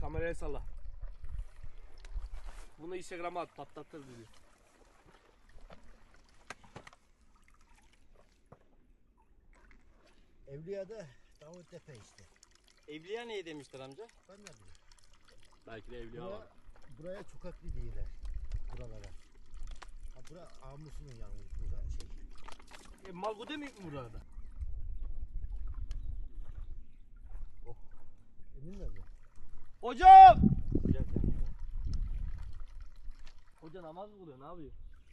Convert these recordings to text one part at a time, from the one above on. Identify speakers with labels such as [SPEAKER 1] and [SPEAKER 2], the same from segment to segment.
[SPEAKER 1] Kameraya salla. Bunu Instagram'a at, patlatır diyor.
[SPEAKER 2] Evliya'da Davut Tepe işte.
[SPEAKER 3] Evliya neye demiştir amca?
[SPEAKER 2] Ben ne bileyim.
[SPEAKER 1] Belki de evliya var.
[SPEAKER 2] Buraya çokaklı diyorlar. Buralara. Ha bura Amusun'un yalnız burada şey.
[SPEAKER 1] Malgu demeyik mi burada?
[SPEAKER 2] Emin nerede?
[SPEAKER 1] Hocam!
[SPEAKER 3] Güzel yani.
[SPEAKER 1] Hoca namaz mı kılıyor? Ne yapıyor?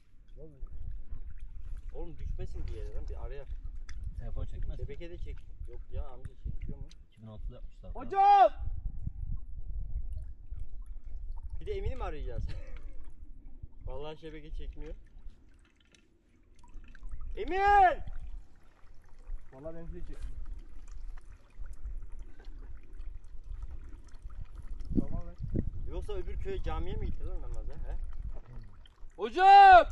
[SPEAKER 3] Oğlum düşmesin bir yere lan bir araya.
[SPEAKER 4] Telefon çekmez.
[SPEAKER 3] Şebeke de çek. Yok ya amca çekiyor mu?
[SPEAKER 4] 2006'da yapmışlar.
[SPEAKER 1] Hocam!
[SPEAKER 3] Bir de Emin'i mi arayacağız? Vallahi şebeke çekmiyor. Emin!
[SPEAKER 1] Vallahi benimki de çekmiyor. Tamam lan.
[SPEAKER 3] Yoksa öbür köye camiye mi gitti lan namaza? He?
[SPEAKER 1] Hocam!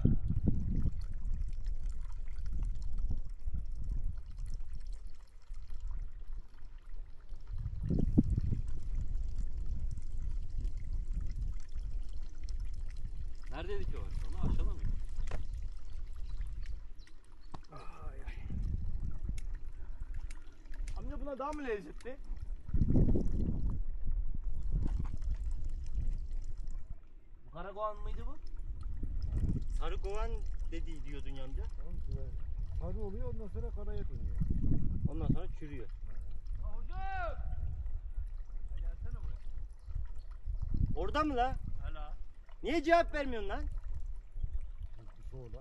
[SPEAKER 4] Neredeydi ki o? Onu aşağıda mı?
[SPEAKER 1] Amca buna daha mı lezzetli? Bu karakoğan mıydı bu?
[SPEAKER 3] Sarı kovan dediği diyordun ya amca.
[SPEAKER 2] Tamam şuraya. Sarı oluyor ondan sonra karaya dönüyor.
[SPEAKER 3] Ondan sonra çürüyor.
[SPEAKER 1] Hocam! Gelsene buraya.
[SPEAKER 3] Orada mı la?
[SPEAKER 1] Hala.
[SPEAKER 3] Niye cevap vermiyorsun lan?
[SPEAKER 2] Bir soğula.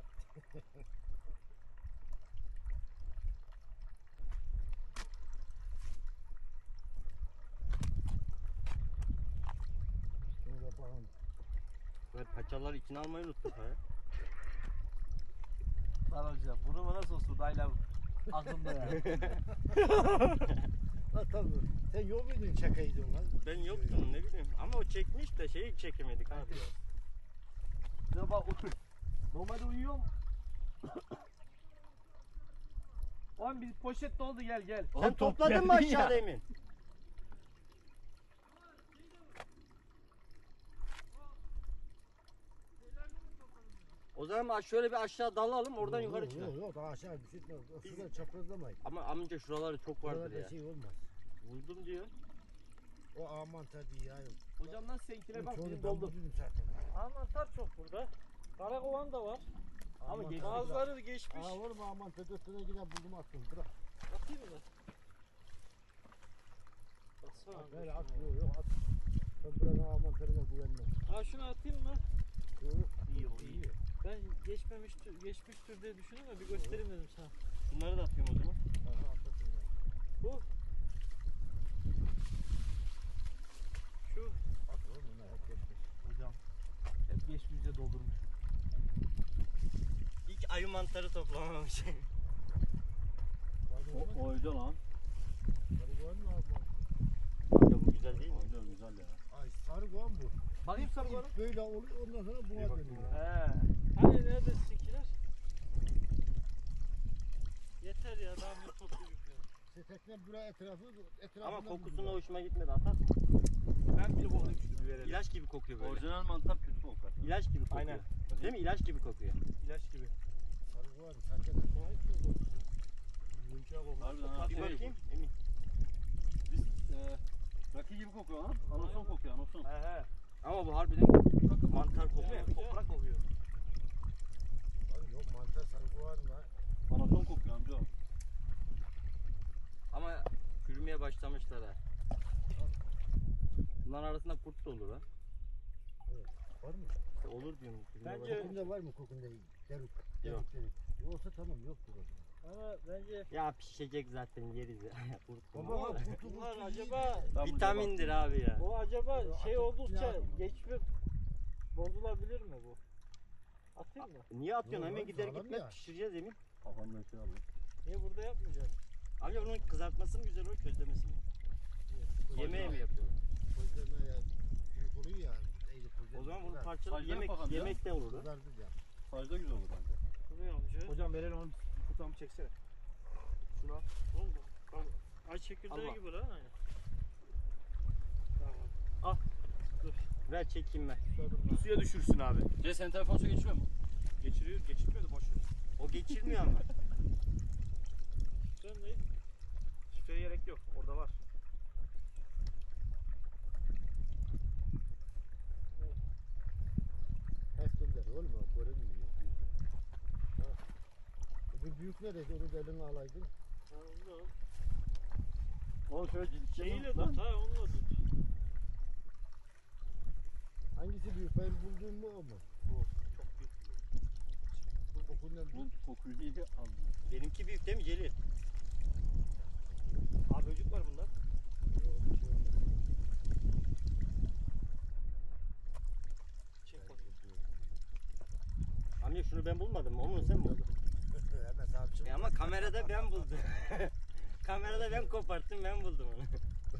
[SPEAKER 2] Şunu da bakalım.
[SPEAKER 3] Ve paçaları içine almayı unuttuk ha.
[SPEAKER 1] Lan hocam bunu bana sosu dayla aklımda ya.
[SPEAKER 2] Ha tabii. Sen yok muydun çakaydın lan?
[SPEAKER 3] Ben yoktum ne bileyim ama o çekmiş de şeyi çekemedik abi.
[SPEAKER 1] Ya bak normalde uyuyorum. Oğlum bir poşet doldu gel.
[SPEAKER 3] Sen topladın mı aşağıda Emin? O zaman şöyle bir aşağı dalalım oradan yukarı çıkalım.
[SPEAKER 2] Yok daha aşağı düşürtme. Şuradan çaprazlamayın.
[SPEAKER 3] Ama amca şuraları çok vardır
[SPEAKER 2] Buralarda
[SPEAKER 3] ya.
[SPEAKER 2] şey olmaz.
[SPEAKER 3] Buldum diyor.
[SPEAKER 2] O aman tabii ya.
[SPEAKER 1] Hocam nasıl seninkine bak
[SPEAKER 2] Çoğunu
[SPEAKER 1] benim
[SPEAKER 2] ben
[SPEAKER 1] doldu.
[SPEAKER 2] buldum zaten.
[SPEAKER 5] Mantar çok burada. Karakovan da var.
[SPEAKER 1] Ama geçti.
[SPEAKER 5] Bazıları geçmiş.
[SPEAKER 2] Aa var mı aman tabii yine buldum attım. Bırak.
[SPEAKER 5] Atayım mı? Baksana.
[SPEAKER 2] At böyle at. Yok at. Ben buranın aman tarına güvenmem.
[SPEAKER 5] Ha şunu atayım mı?
[SPEAKER 2] Yok.
[SPEAKER 1] İyi o iyi.
[SPEAKER 5] Ben geçmiştir diye düşündüm de bir göstereyim dedim sana.
[SPEAKER 3] Bunları da atıyorum o zaman.
[SPEAKER 2] Aha atasın ya.
[SPEAKER 5] Bu. Şu.
[SPEAKER 2] At oğlum bunlar hep geçmiş.
[SPEAKER 1] Hocam hep geçmişe doldurmuş.
[SPEAKER 3] İlk ayı mantarı toplamamış.
[SPEAKER 4] Oydu lan.
[SPEAKER 2] Sarı koğan mı abi?
[SPEAKER 3] Amca bu güzel değil mi?
[SPEAKER 4] Oydu güzel ya.
[SPEAKER 2] Ay sarı koğan bu.
[SPEAKER 1] Bakayım sarı bana.
[SPEAKER 2] İlk böyle oluyor ondan sonra buna dönüyor.
[SPEAKER 1] He.
[SPEAKER 5] Hani nerede sizinkiler? Yeter ya daha bir toplayacak ya.
[SPEAKER 2] Setekle buraya etrafından
[SPEAKER 3] Ama kokusuna
[SPEAKER 2] buluyor.
[SPEAKER 3] hoşuma gitmedi atar.
[SPEAKER 1] Ben bir koklayayım şu biberi.
[SPEAKER 3] İlaç gibi kokuyor böyle.
[SPEAKER 4] Orijinal mantar kötü kokar.
[SPEAKER 3] İlaç gibi kokuyor.
[SPEAKER 1] Aynen.
[SPEAKER 3] Değil mi? İlaç gibi kokuyor.
[SPEAKER 1] İlaç gibi.
[SPEAKER 2] Sarı koğan. Sakın. Koğan çok kokuyor.
[SPEAKER 1] Yumuşak olmuş.
[SPEAKER 4] Harbiden ha.
[SPEAKER 3] Bir bakayım Emin.
[SPEAKER 4] Biz rakı gibi kokuyor lan. Anason kokuyor anason.
[SPEAKER 1] He.
[SPEAKER 3] Ama bu harbiden mantar kokuyor.
[SPEAKER 1] Değil mi? Toprak kokuyor.
[SPEAKER 2] Abi yok mantar sarı koğan var.
[SPEAKER 4] Anason kokuyor amca o.
[SPEAKER 3] Ama çürümeye başlamışlar ha. Bunların arasında kurt da olur ha.
[SPEAKER 2] Var mı?
[SPEAKER 3] İşte olur diyorum. çürümeye
[SPEAKER 5] Bence-
[SPEAKER 2] Kokunda var mı kokunda? Deruk.
[SPEAKER 3] Yok.
[SPEAKER 2] Deruk. Yoksa tamam yoktur o zaman.
[SPEAKER 5] Ama bence
[SPEAKER 3] Ya pişecek zaten yeriz ya. Kurt mu?
[SPEAKER 2] Baba bak kutu
[SPEAKER 5] bunlar
[SPEAKER 2] kutu
[SPEAKER 5] acaba
[SPEAKER 3] Vitamindir abi ya.
[SPEAKER 5] bu acaba şey
[SPEAKER 2] Atıp
[SPEAKER 5] oldukça
[SPEAKER 2] ya.
[SPEAKER 5] geçme bozulabilir mi bu? Atayım mı?
[SPEAKER 3] Niye atıyorsun?
[SPEAKER 2] Yok
[SPEAKER 3] Hemen
[SPEAKER 2] oğlum,
[SPEAKER 3] gider
[SPEAKER 2] sağlam
[SPEAKER 3] gitmez
[SPEAKER 2] ya.
[SPEAKER 3] pişireceğiz Emin.
[SPEAKER 4] Kafamda şey aldım.
[SPEAKER 5] Niye burada yapmayacağız?
[SPEAKER 3] Amca bunun kızartması mı güzel olur közlemesi mi? Yemeğe mi yapıyorlar?
[SPEAKER 2] Közleme ya. Büyük oluyor ya. Eğri közleme.
[SPEAKER 3] O zaman bunu
[SPEAKER 2] Kızar-
[SPEAKER 3] parçalayıp
[SPEAKER 4] Saçları bakalım ya.
[SPEAKER 3] yemekte olur ha.
[SPEAKER 2] Kızardır ya.
[SPEAKER 4] Sajda güzel olur bence.
[SPEAKER 5] Duruyor amca.
[SPEAKER 1] Hocam verelim onu kutamı çeksene. Şunu al.
[SPEAKER 5] Oldu. Ay çekirdeği
[SPEAKER 1] Allah.
[SPEAKER 5] gibi lan. Aynen.
[SPEAKER 3] Al. Ver çekeyim ben.
[SPEAKER 1] Suya düşürsün abi.
[SPEAKER 4] C senin telefon su geçmiyor mu?
[SPEAKER 1] Geçiriyor, geçirmiyor da boş ver.
[SPEAKER 3] O geçirmiyor ama.
[SPEAKER 5] Sen ne?
[SPEAKER 1] Şifreye gerek yok. Orada var.
[SPEAKER 2] Hep gönder oğlum o görünmüyor. Ha. Bu büyük nerede? Onu da eline alaydın.
[SPEAKER 5] Ha, onu da al.
[SPEAKER 4] Oğlum şöyle
[SPEAKER 5] Şeyle tut ha, onunla tut.
[SPEAKER 2] Hangisi büyük? Benim bulduğum mu o mu?
[SPEAKER 1] Bu çok büyük.
[SPEAKER 2] Bu kokundan
[SPEAKER 4] Bu kokuyu iyi aldım.
[SPEAKER 3] Benimki büyük değil mi Celil?
[SPEAKER 1] Abi böcek var bunda. Çek bakayım.
[SPEAKER 3] Amca şunu ben bulmadım mı? Onu sen buldun.
[SPEAKER 2] Hemen sahipçi.
[SPEAKER 3] Ama kamerada ben buldum. Kamerada ben koparttım, ben buldum onu.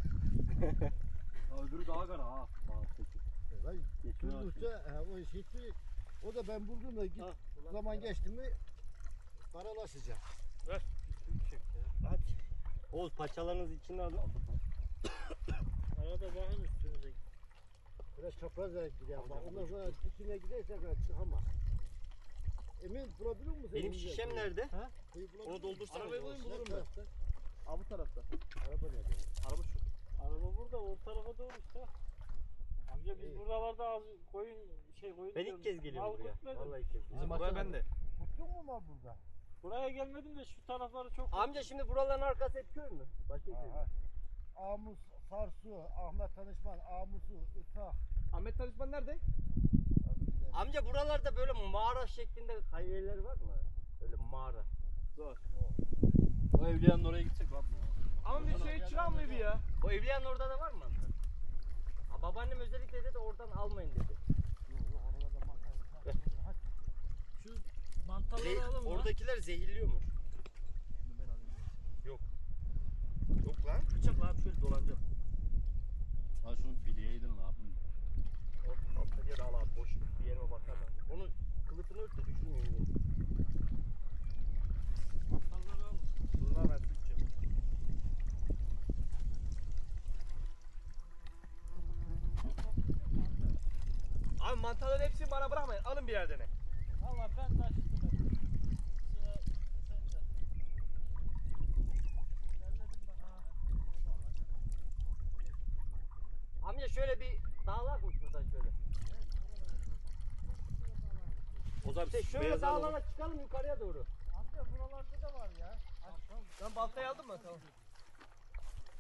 [SPEAKER 4] Ya öbürü daha kara ha. Peki.
[SPEAKER 2] Vay,
[SPEAKER 4] Geçmiyor
[SPEAKER 2] Turgut'ta o şekli, o da ben buldum da git,
[SPEAKER 3] Ha,
[SPEAKER 2] zaman geçti mi karalaşacak.
[SPEAKER 1] Çek ya.
[SPEAKER 3] Hadi. Oğuz paçalarınız içine alın.
[SPEAKER 5] Arada bakın üstünüze.
[SPEAKER 2] Biraz çapraz gidiyor ama ondan sonra dikine giderse çıkamaz. Emin bulabilir misin?
[SPEAKER 3] Benim şişem nerede?
[SPEAKER 2] Onu
[SPEAKER 3] doldursana.
[SPEAKER 1] Arabayı bulayım, bulurum
[SPEAKER 2] ben.
[SPEAKER 1] Abi bu tarafta.
[SPEAKER 2] Araba nerede?
[SPEAKER 1] Araba şu.
[SPEAKER 5] Araba burada, o tarafa doğru işte. Amca biz
[SPEAKER 2] İyi.
[SPEAKER 5] buralarda az koyun koyun
[SPEAKER 3] Ben
[SPEAKER 5] diyorum,
[SPEAKER 3] ilk kez geliyorum
[SPEAKER 5] mal
[SPEAKER 3] buraya.
[SPEAKER 5] gütmedim.
[SPEAKER 3] Vallahi ilk kez geliyorum.
[SPEAKER 1] Bizim buraya ben de.
[SPEAKER 2] Tuttun mu mal burada?
[SPEAKER 5] Buraya gelmedim de şu tarafları çok.
[SPEAKER 3] Amca şimdi buraların arkası hep köy mü? Başka köy mü?
[SPEAKER 2] Amus, Sarsu, Ahmet Tanışman, Amusu, Itak.
[SPEAKER 1] Ahmet Tanışman nerede?
[SPEAKER 3] Amca buralarda böyle mağara şeklinde hayalleri var mı? Öyle mağara.
[SPEAKER 4] O evliyanın oraya gitsek var mı?
[SPEAKER 1] Ama bir şey çıran mıydı ya?
[SPEAKER 3] O evliyanın orada da var mı mantar? Ha, babaannem özellikle dedi oradan almayın dedi.
[SPEAKER 5] Şu mantarları alın mı?
[SPEAKER 3] Oradakiler zehirliyormuş. Yok. Yok lan.
[SPEAKER 1] Bıçakla abi şöyle dolanacağım.
[SPEAKER 4] Ha şunu bileydin lan.
[SPEAKER 1] Altta yer al abi boş bir yerime bakarlar.
[SPEAKER 3] Onu kılıfını ört de düşünmüyorum.
[SPEAKER 5] Mantarları al.
[SPEAKER 1] Duruna ver tutacağım. Abi mantarların hepsini bana bırakmayın. Alın bir yerden.
[SPEAKER 5] Valla ben de açtım. Sıra sende. Derledim ben ha.
[SPEAKER 3] Amca şöyle bir dağlak mı şuradan şöyle?
[SPEAKER 1] O zaman
[SPEAKER 3] İşte şöyle dağlara çıkalım yukarıya doğru.
[SPEAKER 2] Amca buralarda da var ya.
[SPEAKER 1] Ben baltayı aldım mı? Tamam.